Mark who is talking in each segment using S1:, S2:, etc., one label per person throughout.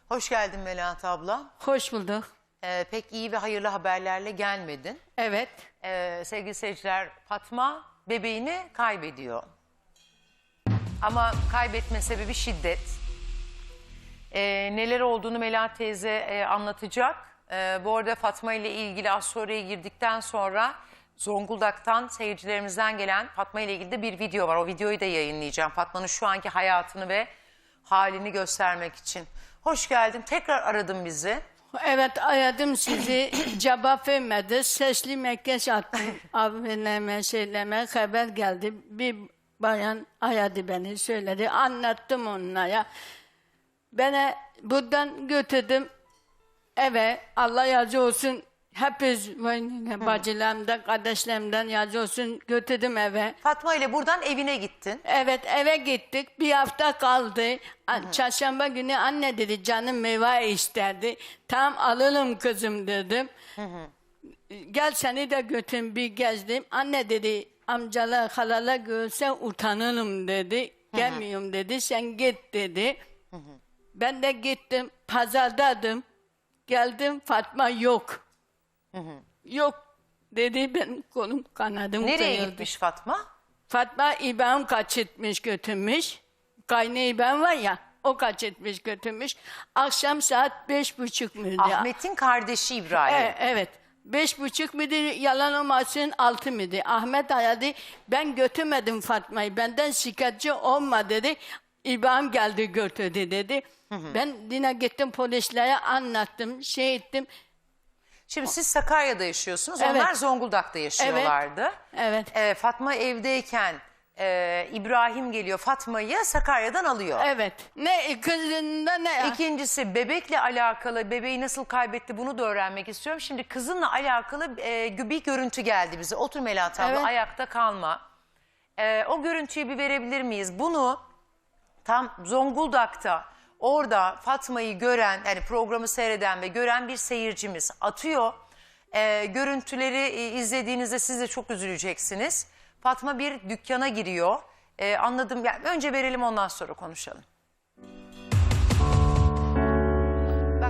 S1: Hoş geldin Melahat abla.
S2: Hoş bulduk.
S1: Pek iyi ve hayırlı haberlerle gelmedin.
S2: Evet.
S1: Sevgili seyirciler, Fatma bebeğini kaybediyor. Ama kaybetme sebebi şiddet. Neler olduğunu Melahat teyze anlatacak. Bu arada Fatma ile ilgili az sonraya girdikten sonra Zonguldak'tan seyircilerimizden gelen Fatma ile ilgili de bir video var. O videoyu da yayınlayacağım. Fatma'nın şu anki hayatını ve halini göstermek için. Hoş geldin. Tekrar aradın bizi.
S2: Evet, aradım sizi. Cevap vermedi. Sesli mesaj attım. Abineme, şeyleme haber geldi. Bir bayan aradı beni, söyledi. Anlattım onlara. Beni buradan götürdüm eve. Allah razı olsun. Hepimiz bacılarımdan, kardeşlerimden razı olsun. Götürdüm eve.
S1: Fatma ile buradan evine gittin.
S2: Evet, eve gittik. Bir hafta kaldı. Çarşamba günü anne dedi, canım meyve isterdi. Tamam, alalım kızım dedim. Gel seni de götürün, bir gezdim. Anne dedi, amcalar, halalar görse utanırım dedi. Gelmiyorum dedi, sen git dedi. Ben de gittim, pazardaydım. Geldim, Fatma yok. Yok dedi, benim kolum kanadım
S1: Nereye
S2: kırıldı.
S1: gitmiş Fatma?
S2: Fatma İbrahim kaçırtmış götürmüş. Kaynağı İbrahim var ya, o kaçırtmış götürmüş. Akşam saat 5:30 mıydı?
S1: Ahmet'in kardeşi İbrahim.
S2: Evet. 5:30 mıydı, yalan olmasın 6 mıydı? Ahmet aradı, ben götürmedim Fatma'yı, benden şikayetçi olma dedi. İbrahim geldi götürdü dedi. Ben yine gittim polislere anlattım, şey ettim.
S1: Şimdi siz Sakarya'da yaşıyorsunuz.
S2: Evet.
S1: Onlar Zonguldak'ta yaşıyorlardı.
S2: Evet.
S1: Fatma evdeyken İbrahim geliyor Fatma'yı Sakarya'dan alıyor.
S2: Evet. Ne kızında ne...
S1: İkincisi bebekle alakalı, bebeği nasıl kaybetti bunu da öğrenmek istiyorum. Şimdi kızınla alakalı bir görüntü geldi bize. Otur Melahat abla,
S2: Evet.
S1: ayakta kalma. O görüntüyü bir verebilir miyiz? Bunu tam Zonguldak'ta orada Fatma'yı gören, yani programı seyreden ve gören bir seyircimiz atıyor. Görüntüleri izlediğinizde siz de çok üzüleceksiniz. Fatma bir dükkana giriyor. Anladım. Yani önce verelim, ondan sonra konuşalım. Bak.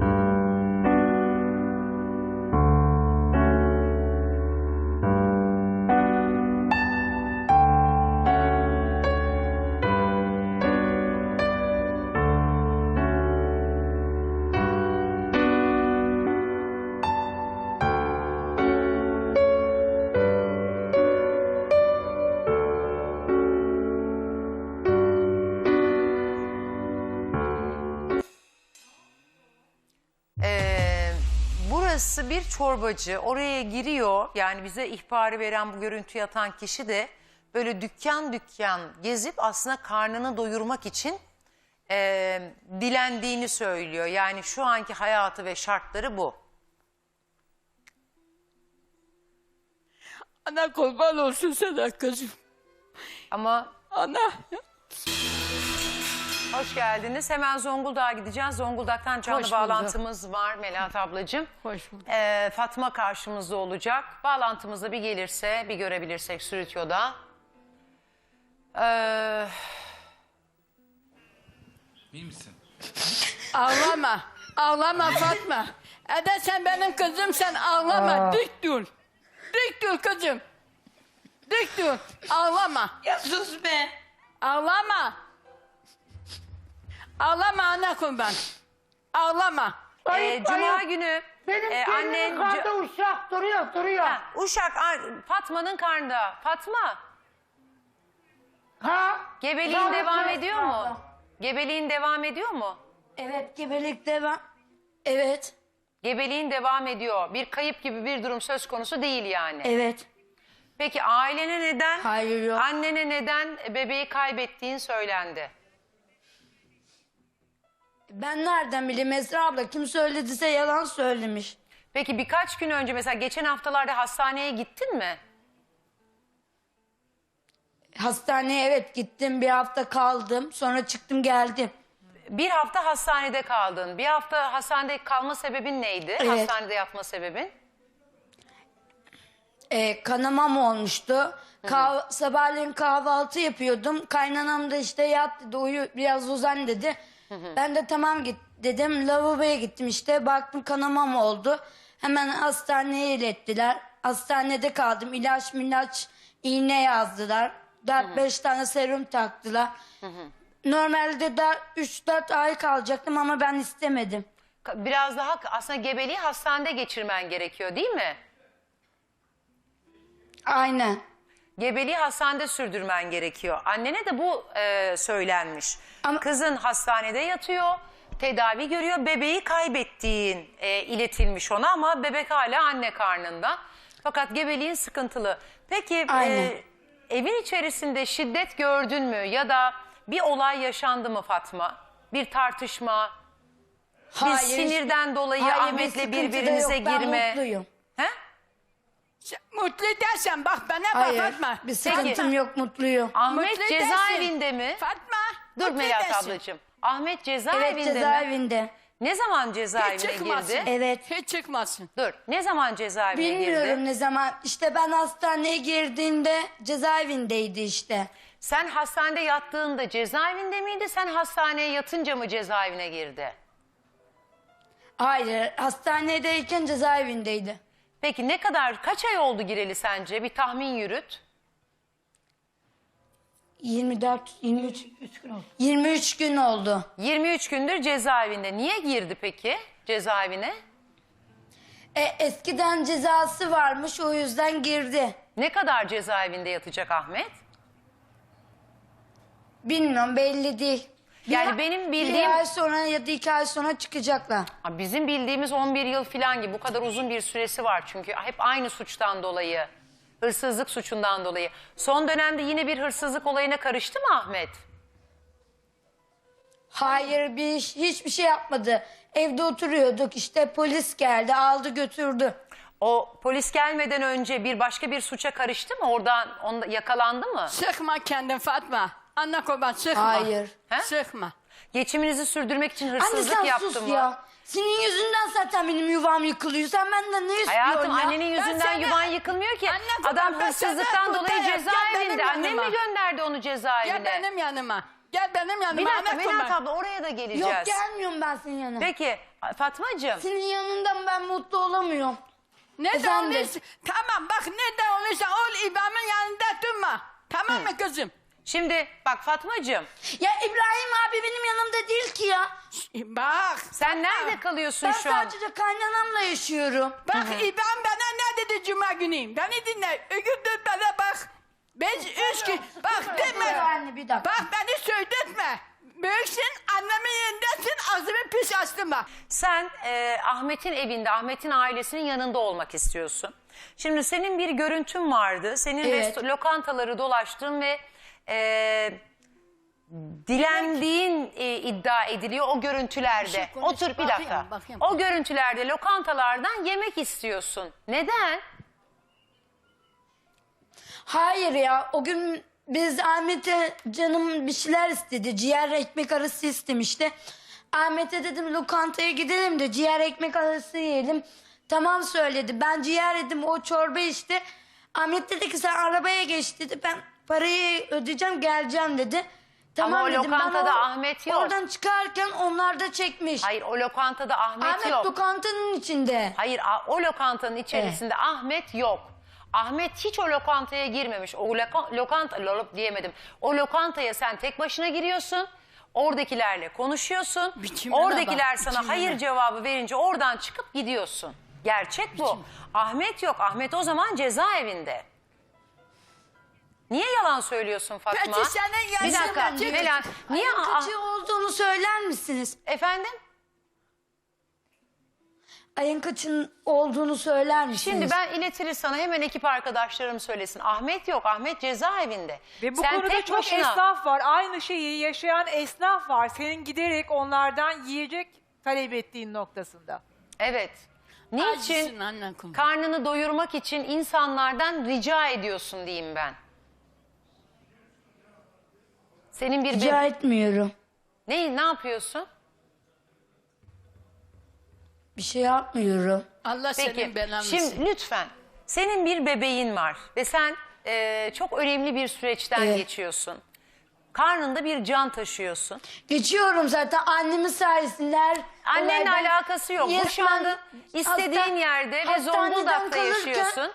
S1: Burası bir çorbacı. Oraya giriyor. Yani bize ihbarı veren, bu görüntüyü atan kişi de böyle dükkan dükkan gezip aslında karnını doyurmak için dilendiğini söylüyor. Yani şu anki hayatı ve şartları bu.
S2: Ana kurban olsun sana kızım.
S1: Ama
S2: Ana.
S1: hoş geldiniz. Hemen Zonguldak'a gideceğiz. Zonguldak'tan canlı
S2: Hoş bulduk.
S1: bağlantımız var Melahat ablacığım.
S2: Hoş bulduk.
S1: Fatma karşımızda olacak. Bağlantımızda bir gelirse, bir görebilirsek stüdyoda.
S3: İyi misin?
S2: Ağlama. Ağlama Fatma. Ede sen benim kızım, sen ağlama. Dik dur. Dik dur kızım. Dik dur. Ağlama.
S4: Ya sus be.
S2: Ağlama. Ağlama ana kurban. Ağlama.
S1: Cuma günü
S5: Benim
S1: annen...
S5: karnında uşak duruyor.
S1: Ha, Uşak, Fatma'nın karnında. Fatma,
S5: Ha?
S1: gebeliğin
S5: Sağlık
S1: devam
S5: olsun
S1: ediyor mu?
S5: abla.
S1: Gebeliğin devam ediyor mu?
S4: Evet, gebelik devam. Evet.
S1: Gebeliğin devam ediyor. Bir kayıp gibi bir durum söz konusu değil yani.
S4: Evet.
S1: Peki ailene neden,
S4: Hayır, yok.
S1: annene neden bebeği kaybettiğin söylendi?
S4: Ben nereden bileyim Esra abla? Kim söylediyse yalan söylemiş.
S1: Peki birkaç gün önce, mesela geçen haftalarda hastaneye gittin mi?
S4: Hastaneye evet gittim. Bir hafta kaldım. Sonra çıktım geldim.
S1: Bir hafta hastanede kaldın. Bir hafta hastanede kalma sebebin neydi?
S4: Evet.
S1: Hastanede yatma sebebin?
S4: Kanamam olmuştu. Sabahleyin kahvaltı yapıyordum. Kaynanam da işte yat dedi, uyu biraz uzan dedi. Ben de tamam git dedim. Lavaboya gittim işte. Baktım kanamam oldu. Hemen hastaneye ilettiler. Hastanede kaldım. İlaç, iğne yazdılar. 4-5 tane serum taktılar. Normalde de 3-4 ay kalacaktım ama ben istemedim.
S1: Biraz daha aslında gebeliği hastanede geçirmen gerekiyor değil mi?
S4: Aynen.
S1: Gebeliği hastanede sürdürmen gerekiyor. Annene de bu söylenmiş.
S4: Ama-
S1: Kızın hastanede yatıyor, tedavi görüyor. Bebeği kaybettiğin iletilmiş ona ama bebek hala anne karnında. Fakat gebeliğin sıkıntılı. Peki
S4: Aynen.
S1: evin içerisinde şiddet gördün mü ya da bir olay yaşandı mı Fatma? Bir tartışma, bir sinirden dolayı
S4: Hayır, bir
S1: Ahmet'le
S4: sıkıntı da
S1: birbirinize
S4: yok. Ben
S1: girme.
S4: mutluyum.
S1: He?
S2: Mutlu dersen bak bana bak
S4: Hayır.
S2: Fatma.
S4: Bir sıkıntım yok, mutluyum.
S1: Ahmet
S2: Mutlu
S1: cezaevinde mi?
S2: Fatma.
S1: Dur
S2: mutlu
S1: Melahat
S2: edersin.
S1: ablacığım. Ahmet
S4: Evet,
S1: cezaevinde mi?
S4: cezaevinde.
S1: Ne zaman
S2: Hiç
S1: cezaevine
S2: çıkmasın.
S1: girdi?
S4: Evet.
S2: Hiç çıkmasın.
S1: Dur. Ne zaman cezaevine
S4: Bilmiyorum
S1: girdi?
S4: ne zaman. İşte ben hastaneye girdiğimde cezaevindeydi işte.
S1: Sen hastanede yattığında cezaevinde miydi? Sen hastaneye yatınca mı cezaevine girdi?
S4: Hayır, hastanedeyken cezaevindeydi.
S1: Peki kaç ay oldu gireli sence? Bir tahmin yürüt.
S4: 23 23 gün oldu.
S1: 23 gündür cezaevinde. Niye girdi peki cezaevine?
S4: Eskiden cezası varmış, o yüzden girdi.
S1: Ne kadar cezaevinde yatacak Ahmet?
S4: Bilmiyorum, belli değil.
S1: Yani benim bildiğim-
S4: Bir ay sonra ya da 2 ay sonra çıkacaklar.
S1: Bizim bildiğimiz 11 yıl falan gibi bu kadar uzun bir süresi var çünkü hep aynı suçtan dolayı, hırsızlık suçundan dolayı. Son dönemde yine bir hırsızlık olayına karıştı mı Ahmet?
S4: Hayır, hiçbir şey yapmadı. Evde oturuyorduk, işte polis geldi, aldı götürdü.
S1: O polis gelmeden önce başka bir suça karıştı mı? Onda yakalandı mı?
S2: Sıkma kendin Fatma. Anne kurban sıkma.
S4: Hayır.
S1: He?
S2: Sıkma.
S1: Geçiminizi sürdürmek için
S4: Anne
S1: hırsızlık
S4: sen
S1: yaptı
S4: sus
S1: mı?
S4: ya. Senin yüzünden zaten benim yuvam yıkılıyor. Sen benden ne istiyorsun
S1: Hayatım
S4: ya?
S1: annenin yüzünden
S2: sana-
S1: yuvan yıkılmıyor ki.
S2: Anne kurban,
S1: Adam
S2: ben
S1: hırsızlıktan
S2: sana
S1: dolayı
S2: kurtarayım. Gel
S1: cezaevinde.
S2: benim
S1: Annem mi
S2: yanıma.
S1: gönderdi onu cezaevine?
S2: Gel benim yanıma. Gel benim yanıma.
S1: Bir dakika
S2: anne
S1: Melahat
S2: kurban.
S1: abla oraya da geleceğiz.
S4: Yok, gelmiyorum ben senin yanına.
S1: Peki Fatmacığım.
S4: Senin yanından ben mutlu olamıyorum.
S2: Ne de
S4: Efendim?
S2: olursa, tamam bak ne de olursa ol İbrahim'in yanında durma. Tamam mı kızım?
S1: Şimdi bak Fatmacığım
S4: Ya İbrahim abi benim yanımda değil ki ya.
S2: Bak.
S1: sen nerede kalıyorsun
S4: Ben
S1: şu an?
S4: sadece kaynanamla yaşıyorum.
S2: Bak İbrahim bana ne dedi cuma günü? Beni dinle. Ögürdür bana bak. Ben 3 gün. Bak deme.
S4: Anne bir dakika.
S2: Bak beni söyletme. Büyüksün annemin yerindesin ağzımı pis açtın bak.
S1: Sen Ahmet'in evinde, Ahmet'in ailesinin yanında olmak istiyorsun. Şimdi senin bir görüntün vardı. Senin
S4: Evet.
S1: lokantaları dolaştın ve dilendiğin iddia ediliyor o görüntülerde.
S2: Bir şey konuş,
S1: Otur bir
S2: bakayım,
S1: dakika.
S2: bakayım.
S1: O görüntülerde lokantalardan yemek istiyorsun. Neden?
S4: Hayır ya, o gün biz Ahmet'e canım bir şeyler istedi. Ciğer ekmek arası istemişti. Ahmet'e dedim lokantaya gidelim de ciğer ekmek arası yiyelim. Tamam söyledi. Ben ciğer yedim, o çorba içti. Ahmet dedi ki sen arabaya geç dedi. Ben parayı ödeyeceğim, geleceğim dedi. Tamam
S1: Ama o
S4: dedim. Ben
S1: lokantada Ahmet yok.
S4: Oradan çıkarken onlar da çekmiş.
S1: Hayır o lokantada Ahmet
S4: Ahmet
S1: yok.
S4: lokantanın içinde.
S1: Hayır o lokantanın içerisinde Ahmet yok. Ahmet hiç o lokantaya girmemiş. O diyemedim. O lokantaya sen tek başına giriyorsun. Oradakilerle konuşuyorsun.
S2: Biçimine
S1: Oradakiler
S2: bak,
S1: sana
S2: biçimine.
S1: hayır cevabı verince oradan çıkıp gidiyorsun. Gerçek bu. Ahmet yok. Ahmet o zaman cezaevinde. Niye yalan söylüyorsun Fatma?
S2: Peki senin
S1: Bir
S2: yaşın
S1: dakika.
S2: kaç?
S1: Melahat, niye?
S4: Ayın kaçı olduğunu söyler misiniz?
S1: Efendim?
S4: Ayın kaçın olduğunu söyler misiniz?
S1: Şimdi ben iletirim sana hemen ekip arkadaşlarım söylesin. Ahmet yok. Ahmet cezaevinde.
S3: Ve bu
S1: Sen
S3: konuda
S1: tek
S3: çok
S1: başına...
S3: esnaf var. Aynı şeyi yaşayan esnaf var. Senin giderek onlardan yiyecek talep ettiğin noktasında.
S1: Evet. Niçin?
S2: Acısın anne kurban.
S1: Karnını doyurmak için insanlardan rica ediyorsun diyeyim ben. Senin bir
S4: Rica etmiyorum.
S1: ne yapıyorsun?
S4: Bir şey yapmıyorum.
S2: Allah
S1: Peki.
S2: senin belanı
S1: Şimdi
S2: versin.
S1: lütfen. Senin bir bebeğin var ve sen çok önemli bir süreçten
S4: Evet.
S1: geçiyorsun. Karnında bir can taşıyorsun.
S4: Geçiyorum zaten annemin sayesinde.
S1: Annenle
S4: olaydan
S1: alakası yok. Bu şu anda istediğin yerde ve
S4: hastaneden
S1: Zonguldak'ta
S4: kalırken-
S1: yaşıyorsun.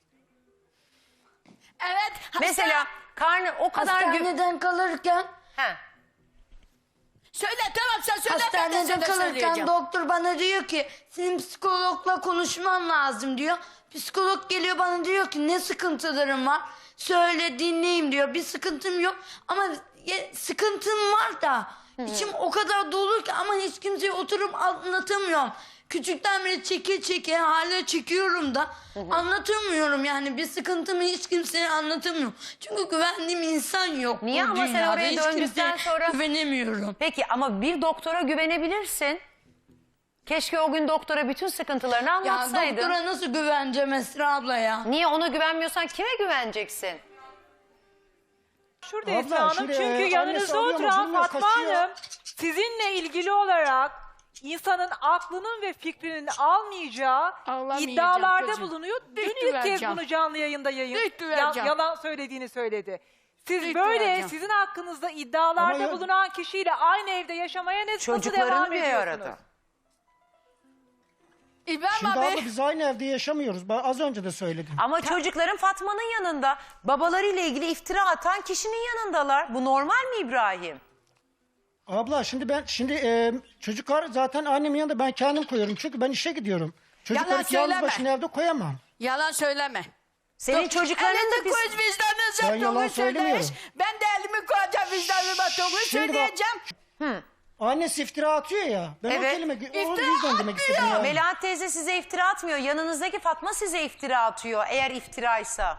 S2: Evet.
S1: Mesela karnı o kadar...
S4: Hastaneden kalırken
S1: He.
S2: Söyle tamam sen söyle. ben de
S4: hastanede
S2: sana
S4: kalırken
S2: söyleyeceğim.
S4: doktor bana diyor ki senin psikologla konuşman lazım diyor. Psikolog geliyor bana diyor ki ne sıkıntılarım var söyle dinleyeyim diyor. Bir sıkıntım yok ama sıkıntım var da içim o kadar dolu ki ama hiç kimseye oturup anlatamıyorum. Küçükten beri çeke çeke hala çekiyorum da anlatamıyorum yani bir sıkıntımı hiç kimseye anlatamıyorum. Çünkü güvendiğim insan yok.
S1: Niye
S4: bu
S1: ama sen
S4: dünyada.
S1: oraya
S4: Hiç
S1: döndükten
S4: kimseye
S1: sonra-
S4: güvenemiyorum.
S1: Peki ama bir doktora güvenebilirsin. Keşke o gün doktora bütün sıkıntılarını
S4: Ya
S1: anlatsaydın.
S4: doktora nasıl güveneceğim Esra abla ya?
S1: Niye ona güvenmiyorsan kime güveneceksin?
S3: Şurada
S6: Abla,
S3: Esra Hanım
S6: şimdi,
S3: çünkü
S6: annesi
S3: yanınızda
S6: arıyor ama
S3: oturan
S6: bilmiyor,
S3: Fatma
S6: kaçıyor.
S3: Hanım sizinle ilgili olarak insanın aklının ve fikrinin almayacağı
S2: Ağlamayacağım
S3: iddialarda
S2: kızım.
S3: bulunuyor. Dün
S2: Büyük
S3: ilk kez
S2: güveneceğim.
S3: bunu canlı yayında
S2: Büyük güveneceğim.
S3: yalan söylediğini söyledi. Siz
S2: Büyük
S3: böyle
S2: güveneceğim.
S3: sizin hakkınızda iddialarda
S6: Ama ya-
S3: bulunan kişiyle aynı evde yaşamaya nasıl devam
S1: Çocukların bir
S3: ediyorsunuz?
S1: arada.
S2: İbrahim
S6: Şimdi
S2: abi.
S6: abla biz aynı evde yaşamıyoruz. Ben az önce de söyledim.
S1: Ama çocukların Fatma'nın yanında. Babalarıyla ilgili iftira atan kişinin yanındalar. Bu normal mi İbrahim?
S6: Abla şimdi çocuklar zaten annemin yanında ben kendim koyuyorum. Çünkü ben işe gidiyorum. Çocukları
S2: Yalan
S6: yalnız
S2: söyleme.
S6: başına evde koyamam.
S2: Yalan söyleme.
S1: Senin çocukların da
S2: Elinde
S1: biz...
S2: koyuz vicdanınıza
S6: Ben yalan
S2: doğru
S6: söylemiyorum.
S2: söyleyiş. Ben de elimi koyacağım vicdanıma doğru
S6: Şimdi bak-
S2: söyleyeceğim.
S6: Annesi iftira atıyor ya. Ben
S1: Evet.
S6: o kelime o
S2: İftira
S6: yüzden demek istedim
S2: atmıyor.
S6: ya.
S1: Melahat teyze size iftira atmıyor. Yanınızdaki Fatma size iftira atıyor. Eğer iftiraysa.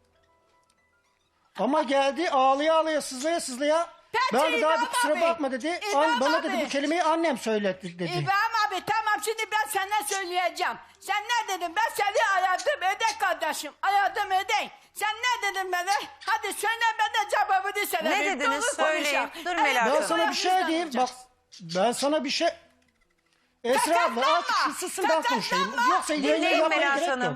S6: Ama geldi ağlaya ağlaya sızlaya sızlaya.
S2: Peki,
S6: Ben de daha bir
S2: İbrahim
S6: kusura
S2: abi.
S6: bakma dedi.
S2: İbrahim
S6: Bana dedi
S2: abi.
S6: bu kelimeyi annem söyletti dedi.
S2: İbrahim abi tamam şimdi ben sana söyleyeceğim. Sen ne dedin? Ben seni aradım öde kardeşim. Aradım öde. Sen ne dedin bana? Hadi söyle ben de cevabını sana.
S1: Ne
S2: vereyim.
S1: dediniz?
S2: Doğru
S1: Söyleyin.
S2: konuşalım.
S1: Dur Melahat
S6: Ben
S1: Hanım.
S6: sana bir şey diyeyim. Bak ben sana bir şey... Esra abla
S2: Kakatlanma.
S6: artık şu susun ben konuşayım.
S2: Kakatlanma.
S6: Yoksa yayını
S1: Dinleyin
S6: yapmaya
S1: Melahat
S6: gerek
S1: Hanım.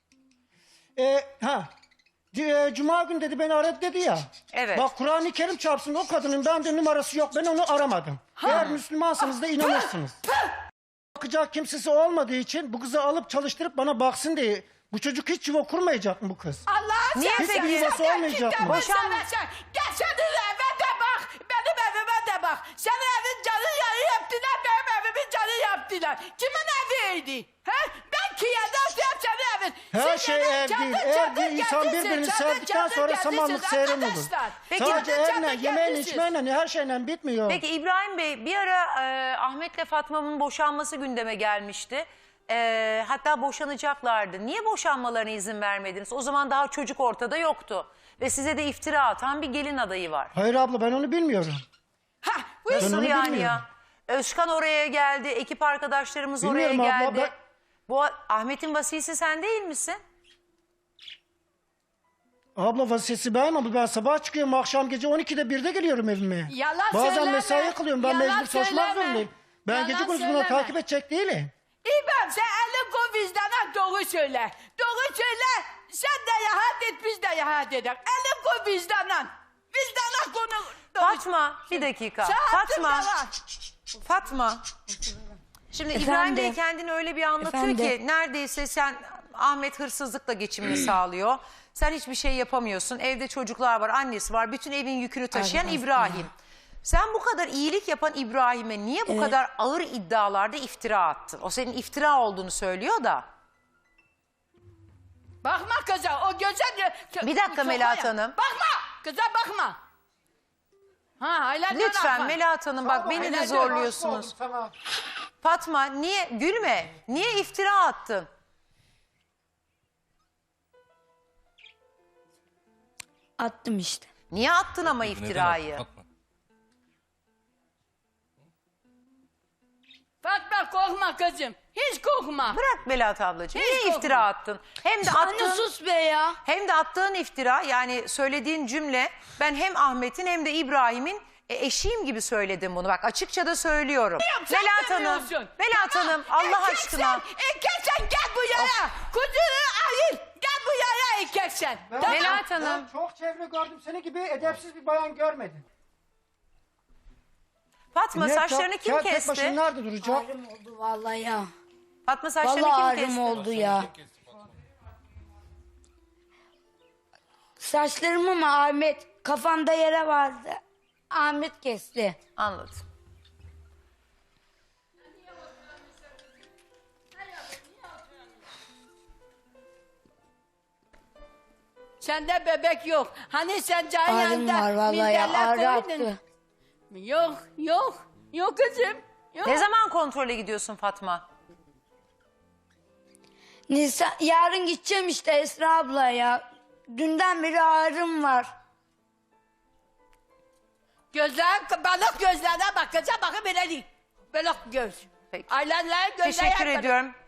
S6: yok. Cuma günü dedi beni aradı dedi ya.
S1: Evet.
S6: Bak Kur'an-ı Kerim çarpsın o kadının bende numarası yok. Ben onu aramadım. Eğer Müslümansanız da inanırsınız. Bakacak kimsesi olmadığı için bu kızı alıp çalıştırıp bana baksın diye. Bu çocuk hiç yuva kurmayacak mı bu kız?
S2: Allah'ın
S1: Niye
S2: seversen,
S1: peki?
S6: Yuvası
S2: sen
S6: olmayacak
S2: kitabı
S6: mı?
S2: seversen, gel senin eve de bak, benim evime de bak. Senin evin canı yarı yaptılar, benim evimin canı yaptılar. Kimin eviydi? He? Ben Kiye'de senin evin.
S6: Her
S2: Siz
S6: şey
S2: evin
S6: ev
S2: kendi
S6: değil. Ev değil. İnsan
S2: kendisi,
S6: birbirini
S2: kendi
S6: sevdikten
S2: kendi
S6: sonra
S2: kendisi
S6: samanlık seyran olur.
S2: arkadaşlar.
S1: Peki,
S6: Sadece
S2: kendi
S6: evle,
S2: kendi
S6: yemeğle,
S2: kendisi.
S6: içmeyle her şeyle bitmiyor.
S1: Peki İbrahim Bey bir ara Ahmet'le Fatma'nın boşanması gündeme gelmişti. Hatta boşanacaklardı. Niye boşanmalarına izin vermediniz? O zaman daha çocuk ortada yoktu. Ve size de iftira atan bir gelin adayı var.
S6: Hayır abla ben onu bilmiyorum.
S2: Ha, bu
S1: Nasıl
S6: onu
S1: yani
S6: bilmiyorum.
S1: ya? Özkan oraya geldi, ekip arkadaşlarımız oraya
S6: Bilmiyorum abla,
S1: geldi.
S6: ben-
S1: Bu Ahmet'in vasisi sen değil misin?
S6: Abla vasiyeti benim ama ben sabah çıkıyorum akşam gece 12'de 1'de geliyorum evime.
S2: Yalan
S6: Bazen
S2: söyleme.
S6: mesai kılıyorum ben
S2: Yalan
S6: mecbur çalışmak
S2: söyleme.
S6: zorundayım. Ben
S2: Yalan
S6: gece gündüz bunu
S2: söyleme.
S6: takip edecek değilim.
S2: İbrahim sen elin koy vicdana doğru söyle. Doğru söyle. Sen de rahat et biz de rahat edelim. Elin koy vicdana. Vicdana konu.
S1: Fatma bir dakika.
S2: Sen
S1: Fatma.
S2: yalan.
S1: Fatma. Şimdi
S4: Efendim?
S1: İbrahim Bey kendini öyle bir anlatıyor ki
S4: Efendim?
S1: neredeyse sen Ahmet hırsızlıkla geçimini sağlıyor. Sen hiçbir şey yapamıyorsun. Evde çocuklar var, annesi var. Bütün evin yükünü taşıyan
S4: Aynen.
S1: İbrahim. Sen bu kadar iyilik yapan İbrahim'e niye bu kadar ağır iddialarda iftira attın? O senin iftira olduğunu söylüyor da.
S2: Bakma kıza o göze...
S1: Bir dakika Melahat Hanım.
S2: Bakma. Kıza bakma. Ha hala
S1: Lütfen Melahat Hanım bak beni de zorluyorsunuz. Fatma niye gülme? Niye iftira attın?
S4: Attım işte.
S1: Niye attın ama iftirayı?
S2: Fatma korkma kızım. Hiç korkma.
S1: Bırak Melahat ablacığım.
S2: Hiç
S1: Niye
S2: korkma.
S1: iftira attın? Hem de
S4: Anne
S1: attığın,
S4: sus be ya.
S1: hem de attığın iftira yani söylediğin cümle ben hem Ahmet'in hem de İbrahim'in eşiyim gibi söyledim bunu. Bak açıkça da söylüyorum.
S2: Sen
S1: Melahat Hanım,
S2: demiyorsun.
S1: Melahat
S2: Tamam,
S1: Hanım Allah
S2: erkeksen,
S1: aşkına.
S2: Erkeksen gel bu yere. Kuzunu ayır. Gel bu yere erkeksen. Tamam.
S1: Melahat Hanım.
S6: Ben çok çevre gördüm seni gibi edepsiz bir bayan görmedim.
S1: Fatma
S6: Ne
S1: saçlarını
S6: yapacak?
S1: kim
S6: Kel tek
S1: kesti?
S6: başına nerede duracak?
S4: Ağrım oldu vallahi ya.
S1: Fatma saçlarını
S4: Vallahi
S1: kim
S4: ağrım
S1: kesti?
S4: oldu ya. Saçlarımı mı Ahmet? Kafamda yere vardı. Ahmet kesti.
S1: Anladım.
S2: Sende bebek yok. Hani sen can
S4: Ağrım
S2: yanında
S4: var vallahi ya.
S2: minderler
S4: Ağrı
S2: koydun.
S4: attı.
S2: Yok, yok. Yok kızım. Yok.
S1: Ne zaman kontrole gidiyorsun Fatma?
S4: Nisan, yarın gideceğim işte Esra abla ya. Dünden beri ağrım var.
S2: Balık gözlerine bakacağım. Bakın böyle değil. Balık göz.
S1: Peki.
S2: Aylarla gözler
S1: Teşekkür
S2: yakmadı.
S1: ediyorum.